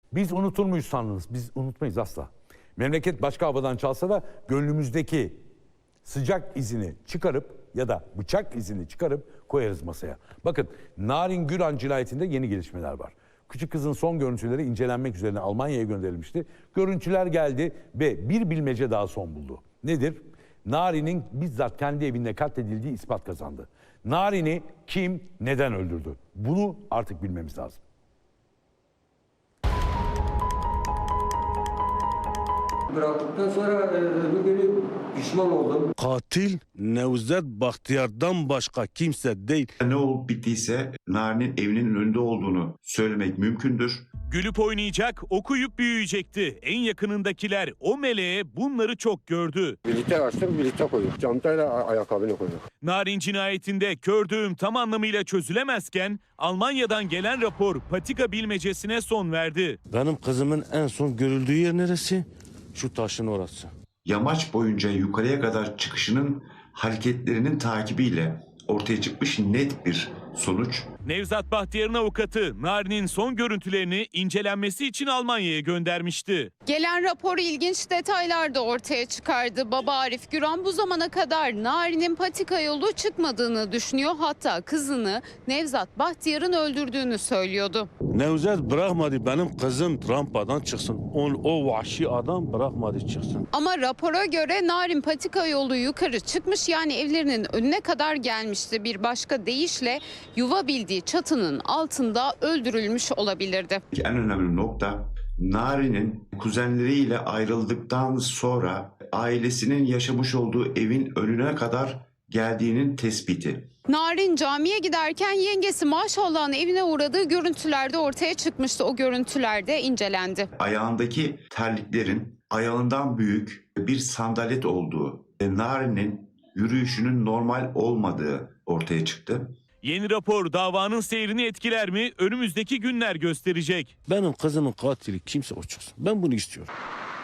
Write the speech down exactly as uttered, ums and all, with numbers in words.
Biz unutur muyuz sandınız? Biz unutmayız asla. Memleket başka havadan çalsa da gönlümüzdeki sıcak izini çıkarıp ya da bıçak izini çıkarıp koyarız masaya. Bakın Narin Güran cinayetinde yeni gelişmeler var. Küçük kızın son görüntüleri incelenmek üzerine Almanya'ya gönderilmişti. Görüntüler geldi ve bir bilmece daha son buldu. Nedir? Narin'in bizzat kendi evinde katledildiği ispat kazandı. Narin'i kim, neden öldürdü? Bunu artık bilmemiz lazım. Bıraktıktan sonra e, öbür günü pişman oldum. Katil Nevzat Bahtiyar'dan başka kimse değil. Ne olup bittiyse Narin'in evinin önünde olduğunu söylemek mümkündür. Gülüp oynayacak, okuyup büyüyecekti. En yakınındakiler o meleğe bunları çok gördü. Birlikte açtık, birlikte koyduk. Çantayla ayakkabını koyduk. Narin cinayetinde kördüğüm tam anlamıyla çözülemezken Almanya'dan gelen rapor patika bilmecesine son verdi. Benim kızımın en son görüldüğü yer neresi? Şu taşın orası. Yamaç boyunca yukarıya kadar çıkışının hareketlerinin takibiyle ortaya çıkmış net bir sonuç. Nevzat Bahtiyar'ın avukatı Narin'in son görüntülerini incelenmesi için Almanya'ya göndermişti. Gelen rapor ilginç detaylar da ortaya çıkardı. Baba Arif Güran bu zamana kadar Narin'in patika yolu çıkmadığını düşünüyor. Hatta kızını Nevzat Bahtiyar'ın öldürdüğünü söylüyordu. Nevzat bırakmadı benim kızım rampadan çıksın. On, o vahşi adam bırakmadı çıksın. Ama rapora göre Narin patika yolu yukarı çıkmış, yani evlerinin önüne kadar gelmişti. Bir başka deyişle yuva bildiği çatının altında öldürülmüş olabilirdi. En önemli nokta Narin'in kuzenleriyle ayrıldıktan sonra ailesinin yaşamış olduğu evin önüne kadar geldiğinin tespiti. Narin camiye giderken yengesi Maşallah'ın evine uğradığı görüntülerde ortaya çıkmıştı. O görüntülerde incelendi. Ayağındaki terliklerin ayağından büyük bir sandalet olduğu, Narin'in yürüyüşünün normal olmadığı ortaya çıktı. Yeni rapor davanın seyrini etkiler mi? Önümüzdeki günler gösterecek. Benim kızımın katili kimse o çıksın. Ben bunu istiyorum.